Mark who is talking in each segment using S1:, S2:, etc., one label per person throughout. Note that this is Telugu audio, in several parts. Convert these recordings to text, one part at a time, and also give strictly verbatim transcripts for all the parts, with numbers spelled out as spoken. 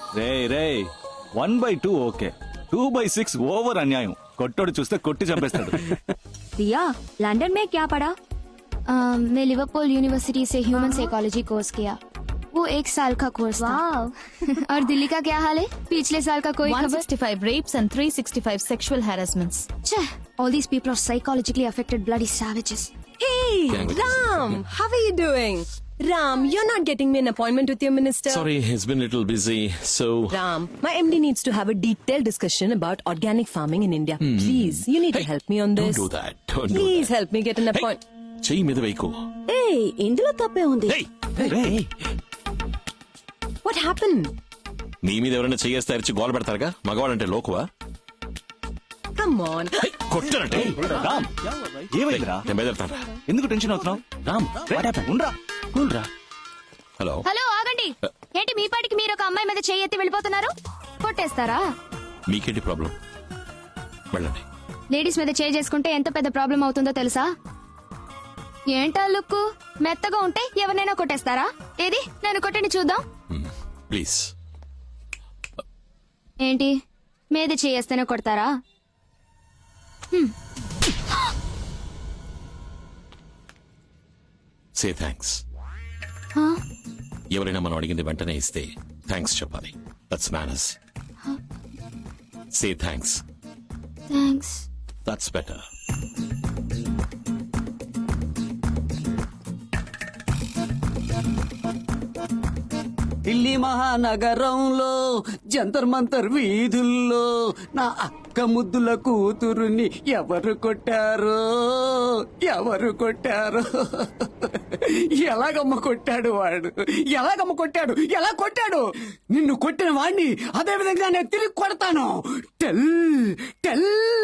S1: రే రే one by two okay, two by six over అన్యాయం. కొట్టోడు చూస్తే కొట్టి చంపేస్తాడు.
S2: दिया लंदन में क्या पढ़ा?
S3: uh, मैं लिवरपूल यूनिवर्सिटी से ह्यूमन साइकोलॉजी कोर्स किया. वो एक साल का कोर्स था. और दिल्ली का क्या हाल है? पिछले साल का कोई
S2: one
S3: खबर?
S2: sixty-five rapes and three sixty-five sexual harassments.
S3: Cheh, all these people are psychologically affected bloody savages.
S4: Hey, Ram, how are you doing? Ram, you're not getting me an appointment with your minister.
S5: Sorry, he's been a little busy, so...
S4: Ram, my M D needs to have a detailed discussion about organic farming in India.
S5: Hmm.
S4: Please, you need
S5: Hey,
S4: to help me on this.
S5: Don't do that. Don't do
S4: Please
S5: that.
S4: help me get an
S5: Hey,
S4: appointment.
S5: చెయ్యి మీద వేయకు.
S4: Hey, ఇందులో తప్పే ఉంది.
S5: Hey, hey.
S4: What happened?
S5: నీ మీద ఎవరైనా చెయ్యేస్తే అరిచి గోల పెడతారుగా, మగవాడంటే లోకువా?
S4: Come on.
S5: Hey, కొట్టానంటే.
S1: రామ్, ఏమైందిరా?
S5: నేను బయలుదేరుతాను.
S1: ఎందుకు టెన్షన్ అవుతున్నావు? రామ్, ఉండరా, కూల్రా.
S5: హలో.
S3: హలో ఆగండి. ఏంటి మీ పాటికి మీరు ఒక అమ్మాయి మీద చేయి ఎత్తి వెళ్ళిపోతున్నారు? కొట్టేస్తారా?
S5: మీకేంటి ప్రాబ్లం? వెళ్ళండి.
S3: లేడీస్ మీద చేయి చేసుకుంటే ఎంత పెద్ద ప్రాబ్లం అవుతుందో తెలుసా? ఏంటా లుక్కు? మెత్తగా ఉంటే ఎవరినైనా కొట్టేస్తారా? ఏది నన్ను కొట్టండి చూద్దాం.
S5: ప్లీజ్.
S3: ఏంటి మీద చేయేస్తేనే కొడతారా?
S5: Say thanks. ఎవరైనా మనం అడిగింది వెంటనే ఇస్తే థ్యాంక్స్ చెప్పాలి. That's manners. Say thanks.
S3: Thanks.
S5: That's better.
S6: Delhi మహానగరంలో జంతర్ మంతర్ వీధుల్లో నా అక్క ముద్దుల కూతురుని ఎవరు కొట్టారో ఎవరు కొట్టారో ఎలాగమ్మ కొట్టాడు వాడు, ఎలాగమ్మ కొట్టాడు, ఎలా కొట్టాడు? నిన్ను కొట్టిన వాడిని అదే విధంగా నేను తిరిగి కొడతాను. Tell tell.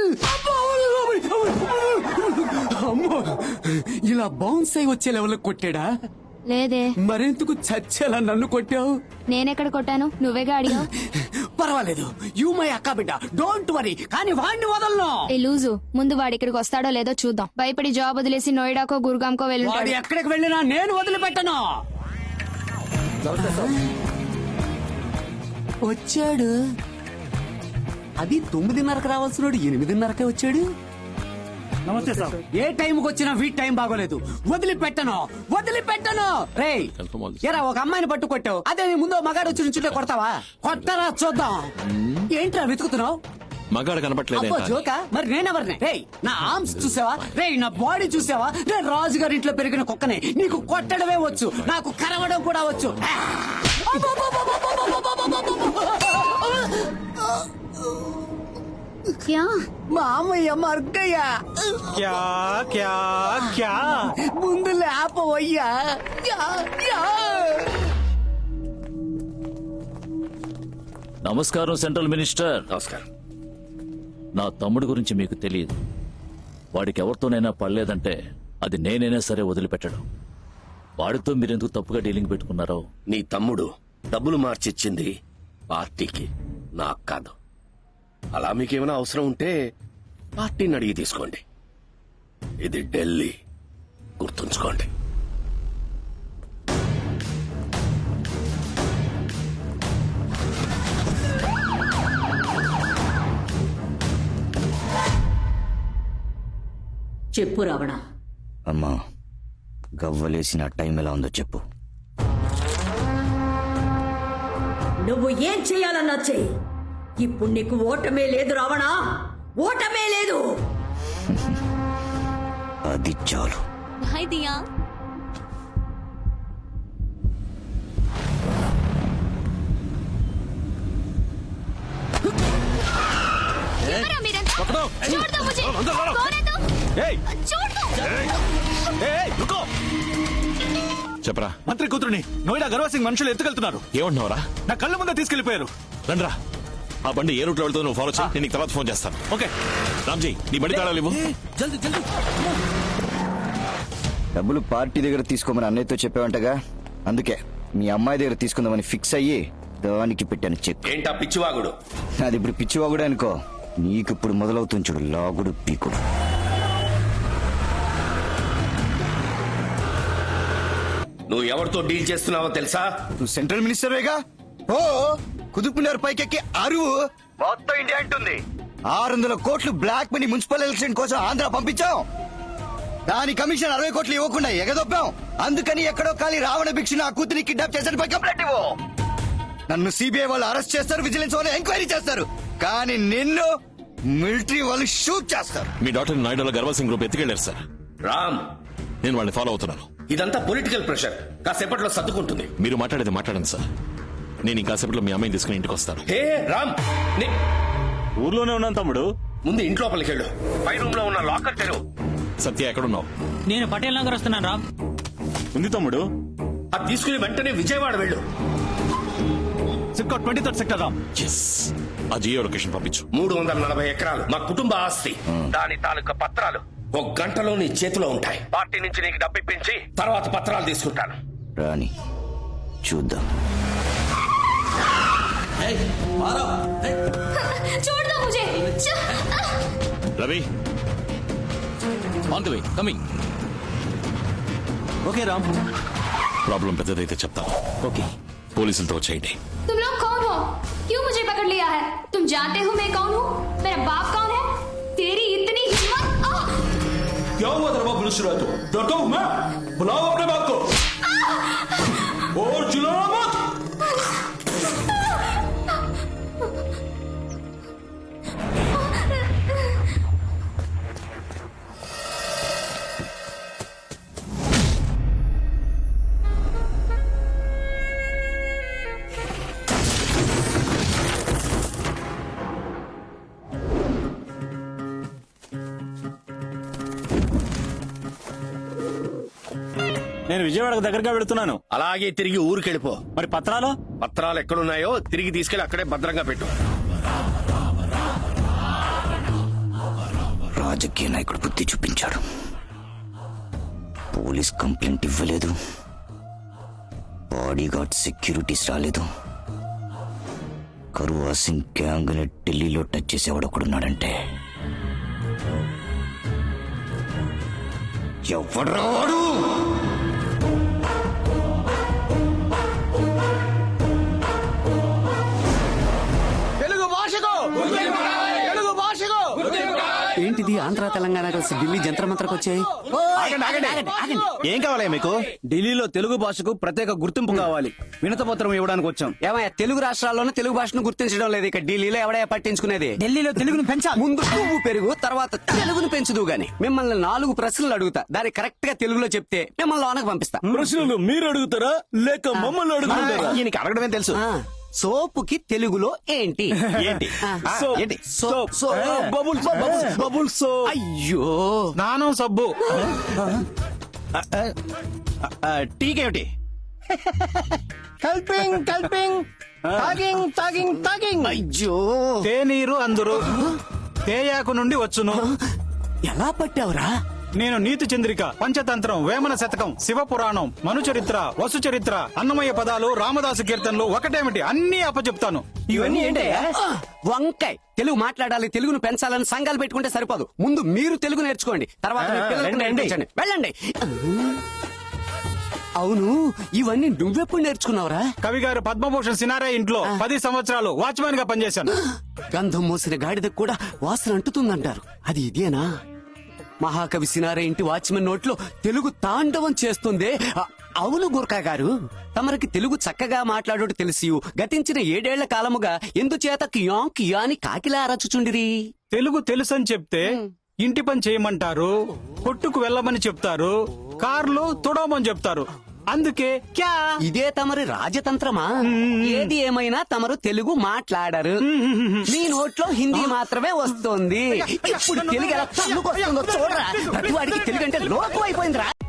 S6: అమ్మో, ఇలా బౌన్స్ అయి వచ్చే లెవెల్ కొట్టాడా?
S3: లేదే.
S6: మరెందుకు చచ్చేలా నన్ను కొట్టావు?
S3: నేనెక్కడ కొట్టాను? నువ్వేగా అడిగావు.
S6: పర్వాలేదు, యూ మై అక్క బిడ్డ, డోంట్ వరీ. కానీ వాడిని వదలను.
S3: ఏ లూజు, ముందు వాడి ఇక్కడికి వస్తాడో లేదో చూద్దాం. భయపడి జాబ్ వదిలేసి నోయిడాకో గురుగాంకో
S6: వాడు
S3: వెళ్ళుంటాడు.
S6: ఎక్కడికి వెళ్ళినా నేను వదిలిపెట్టను. వచ్చాడు. అది తొమ్మిదిన్నరకు రావాల్సినోడు ఎనిమిదిన్నరకే వచ్చాడు.
S1: నమస్తే సార్.
S6: ఏ టైంకి వచ్చినా వీటి టైం బాగోలేదు. వదిలిపెట్టను, వదిలిపెట్టను. రేయ్, ఎరా ఒక అమ్మాయిని పట్టు కొట్టావు, అదే నీ ముందు మగాడు వచ్చి నుంచుంటే కొడతావా? కొట్టరా చూద్దాం. ఏంట్రా వెతుకుతున్నావు?
S5: మగాడు కనపట్లేదే.
S6: అబ్బో జోకా, మరి నేనెవరిని? రేయ్, నా ఆర్మ్స్ చూసావా? రేయ్, నా బాడీ చూసావా? నేను రాజుగారి ఇంట్లో పెరిగిన కుక్కనే. నీకు కొట్టడమే వచ్చు, నాకు కరవడం కూడా వచ్చు.
S3: క్యా?
S6: మామయ్య మర్గయ్య,
S1: క్యా క్యా క్యా?
S6: ముందు లేపవయ్యా. Yeah, yeah.
S7: నమస్కారం సెంట్రల్ మినిస్టర్.
S5: నమస్కారం.
S7: నా తమ్ముడు గురించి మీకు తెలియదు. వాడికి ఎవరితోనైనా పడలేదంటే అది నేనైనా సరే వదిలిపెట్టడం. వాడితో మీరెందుకు తప్పుగా డీలింగ్ పెట్టుకున్నారో.
S8: నీ తమ్ముడు డబ్బులు మార్చిచ్చింది పార్టీకి, నాకు కాదు. అలా మీకేమైనా అవసరం ఉంటే పార్టీని అడిగి తీసుకోండి. ఇది ఢిల్లీ, గుర్తుంచుకోండి.
S9: చెప్పు రావణ.
S10: అమ్మా, గవ్వలేసిన టైం ఎలా ఉందో చెప్పు.
S9: నువ్వు ఏం చెయ్యాలన్నా చెయ్యి. ఇప్పుడు నీకు ఓటమే లేదు రావణ, ఓటమే లేదు.
S10: అది చాలు.
S2: హాయ్ దియా.
S3: ఎవరా మీరంతా? छोड़ दो मुझे. कौन है तुम?
S1: ఏయ్,
S3: छोड़ दो.
S1: ఏయ్, రుకో.
S5: చెప్పరా.
S1: మంత్రి కూతురుని నోయిడా గర్వ సింగ్ మనుషులు ఎత్తుకెళ్తున్నారు.
S5: ఏమంటున్నావరా?
S1: నా కళ్ళ ముందే తీసుకెళ్లిపోయారు.
S5: రండ్రా. ఆ బండి ఏ రూట్ లో వెళ్తుందో నువ్వు ఫాలో చేయి. నేను నీకు తర్వాత ఫోన్ చేస్తాను.
S1: ఓకే.
S5: రామ్జీ, నీ బండి తాళాలు ఇవ్వు.
S10: డబ్బులు పార్టీ దగ్గర తీసుకోమని అన్నయ్యతో చెప్పావంటగా, అందుకే మీ అమ్మాయి దగ్గర తీసుకుందామని ఫిక్స్ అయ్యి దానికి పెట్టాను చెక్.
S8: ఏంటా పిచ్చివాగుడు?
S10: అది ఇప్పుడు పిచ్చివాగుడు అనుకో, నీకు ఇప్పుడు మొదలవుతుంది చూడు లాగుడు పీకుడు.
S8: నువ్వు ఎవరితో డీల్ చేస్తున్నావో తెలుసా?
S10: నువ్వు సెంట్రల్ మినిస్టర్వేగా. ఓ కుదుపునర్ పైకెక్కి అరువు మొత్తం ఇండియా అంటుంది. ఆరు వందల కోట్లు బ్లాక్ మనీ మున్సిపల్ ఎలక్షన్ కోసం ఆంధ్ర పంపించాం. దాని కమిషన్ అరవై కోట్లు ఇవ్వకుండా ఎగదొప్పాం. అందుకని ఎక్కడో ఖాళీ రావణ భిక్ష నా కూతురి కిడ్నాప్ చేశారు పై కంప్లైంట్ ఇవ్వు. నన్ను సిబిఐ వాళ్ళు అరెస్ట్ చేస్తారు, విజిలెన్స్ వాళ్ళు ఎంక్వైరీ చేస్తారు. కానీ నిన్ను మిలిటరీ వాళ్ళు షూట్ చేస్తారు.
S5: మీ డాక్టర్ నాయుడులో గర్వల్ సింగ్ గ్రూప్ ఎత్తుకెళ్లారు సార్.
S8: రామ్,
S5: నేను వాళ్ళని ఫాలో అవుతున్నాను.
S8: ఇదంతా పొలిటికల్ ప్రెషర్. కాసేపట్లో సర్దుకుంటుంది.
S5: మీరు మాట్లాడేది మాట్లాడండి సార్. నేను ఇంకాసేపట్లో మీ అమ్మాయిని తీసుకుని ఇంటికి వస్తాను.
S8: హే రామ్, నీ-
S1: ఊర్లోనే ఉన్నాను తమ్ముడు.
S8: ముందు ఇంట్లోపలికి వెళ్ళు. పై రూమ్ లో ఉన్న లాకర్ తెరువు.
S5: సత్య ఎక్కడున్నావు?
S11: నేను పటేల్ నగర్ వస్తున్నాను రామ్.
S1: ఉంది తమ్ముడు.
S8: అది తీసుకుని వెంటనే విజయవాడ వెళ్ళు.
S1: సిక్కా twenty third sector Ram.
S5: Yes, ఆ జియో లొకేషన్ పంపించు.
S8: మూడు వందల నలభై ఎకరాలు మా కుటుంబ ఆస్తి. దాని తాలూకా పత్రాలు ఒక గంటలో నీ చేతిలో ఉంటాయి. పార్టీ నుంచి నీకు డబ్బు ఇప్పించి తర్వాత పత్రాలు తీసుకుంటాను.
S10: రాని చూద్దాం.
S3: छोड़ दो मुझे.
S5: Ravi,
S7: on the way, coming.
S1: Okay Ram.
S5: Problem పెద్దదైతే చెప్తాను.
S10: ఓకే.
S5: పోలీసులతో వచ్చేయండి.
S3: तुम लोग कौन हो? क्यों मुझे पकड़ लिया है? तुम जानते हो मैं कौन हूँ? मेरा बाप कौन है? तेरी इतनी हिम्मत? आह!
S5: क्या हुआ तेरे बाप पुलिस तो डरता हूँ मैं? बुलाओ अपने बाप को और चिल्लाना मत.
S1: నేను విజయవాడకు దగ్గరగా వెళుతున్నాను.
S8: అలాగే తిరిగి ఊరికెళ్ళిపో.
S1: మరి పత్రాలు?
S8: పత్రాలు ఎక్కడున్నాయో తిరిగి తీసుకెళ్లి అక్కడే భద్రంగా పెట్టు.
S10: రాజకీయ నాయకుడు బుద్ధి చూపించాడు. పోలీస్ కంప్లైంట్ ఇవ్వలేదు, బాడీగార్డ్ సెక్యూరిటీస్ రాలేదు. కరువా సింగ్ గ్యాంగ్ ని ఢిల్లీలో టచ్ చేసేవాడు ఒకడున్నాడంటే ఎవడ్రా వాడు?
S6: తెలుగు భాషకు తెలుగు భాషకు ఏంటిది? ఆంధ్ర తెలంగాణ కలిసి ఢిల్లీ జంత్ర మంత్రకు వచ్చాయి.
S1: ఏం కావాలి మీకు? ఢిల్లీలో తెలుగు భాషకు ప్రత్యేక గుర్తింపు కావాలి. వినత పత్రం ఇవ్వడానికి వచ్చాం.
S6: ఏమయ్యా, తెలుగు రాష్ట్రాల్లోనే తెలుగు భాషను గుర్తించడం లేదు. ఇక ఢిల్లీలో ఎవడయ్యా పట్టించుకునేది?
S11: ఢిల్లీలో తెలుగును పెంచాలి.
S6: ముందు పువ్వు పెరుగు, తర్వాత తెలుగును పెంచుదు గాని. మిమ్మల్ని నాలుగు ప్రశ్నలు అడుగుతా, దాన్ని కరెక్ట్ గా తెలుగులో చెప్తే మిమ్మల్ని లోనకు పంపిస్తా.
S1: ప్రశ్నలు మీరు అడుగుతారా లేక మమ్మల్ని అడుగుతారా? ఈయనకి అడగడమే తెలుసు.
S6: ఆ, సోపుకి తెలుగులో ఏంటి?
S1: ఏంటి?
S6: ఆ,
S1: సోప్.
S6: ఏంటి? So-
S1: soap.
S6: So-
S1: bubble bubble bubble soap.
S6: అయ్యో,
S1: స్నానం సబ్బు. టీకేమిటి? కల్పింగ్ కల్పింగ్ తాగింగ్ తాగింగ్ తాగింగ్.
S6: అయ్యో,
S1: తేనీరు అందరు తేయాకు నుండి వచ్చును.
S6: ఎలా పట్టావురా?
S1: నేను నీతి చంద్రిక, పంచతంత్రం, వేమన శతకం, శివ పురాణం, మను చరిత్ర, వసు చరిత్ర, అన్నమయ్య పదాలు, రామదాసు కీర్తనలు ఒకటేమిటి అన్ని అప్పచెప్తాను.
S6: ఇవన్నీ ఏంటయ్యా? వంకాయ్. తెలుగు మాట్లాడాలి, తెలుగును పెంచాలని సంఘాలు పెట్టుకుంటే సరిపోదు. ముందు మీరు తెలుగు నేర్చుకోండి, తర్వాత మీ పిల్లలకు నేర్పించండి. వెళ్ళండి. అవును, ఇవన్నీ నువ్వెప్పుడు నేర్చుకున్నావురా?
S1: కవి గారు పద్మభూషణ్ సినారే ఇంట్లో పది సంవత్సరాలు వాచ్మెన్ గా పనిచేశాను.
S6: గంధం మోసిన గాడిదకు కూడా వాసన అంటుతుందంటారు. అది ఇదేనా? మహాకవి సినారే ఇంటి వాచ్మెన్ నోట్లో తెలుగు తాండవం చేస్తుందే. అ- అవును గుర్కా గారు, తమరికి తెలుగు చక్కగా మాట్లాడుట తెలిసి గతించిన ఏడేళ్ల కాలముగా ఎందుచేత కియా కియా అని కాకిలా అరచుచుండిరి?
S1: తెలుగు తెలుసని చెప్తే ఇంటి పని చేయమంటారు, కొట్టుకు వెళ్ళమని చెప్తారు, కార్లు తుడవమని చెప్తారు. అందుకే క్యా.
S6: ఇదే తమరి రాజతంత్రమా? ఏది ఏమైనా తమరు తెలుగు మాట్లాడరు. మీ నోట్లో హిందీ మాత్రమే వస్తుంది. ఇప్పుడు తెలుగు ఎలా తన్నుకొస్తుందో చూడరా. ప్రతి వాడికి తెలుగు అంటే లోకం అయిపోయిందిరా.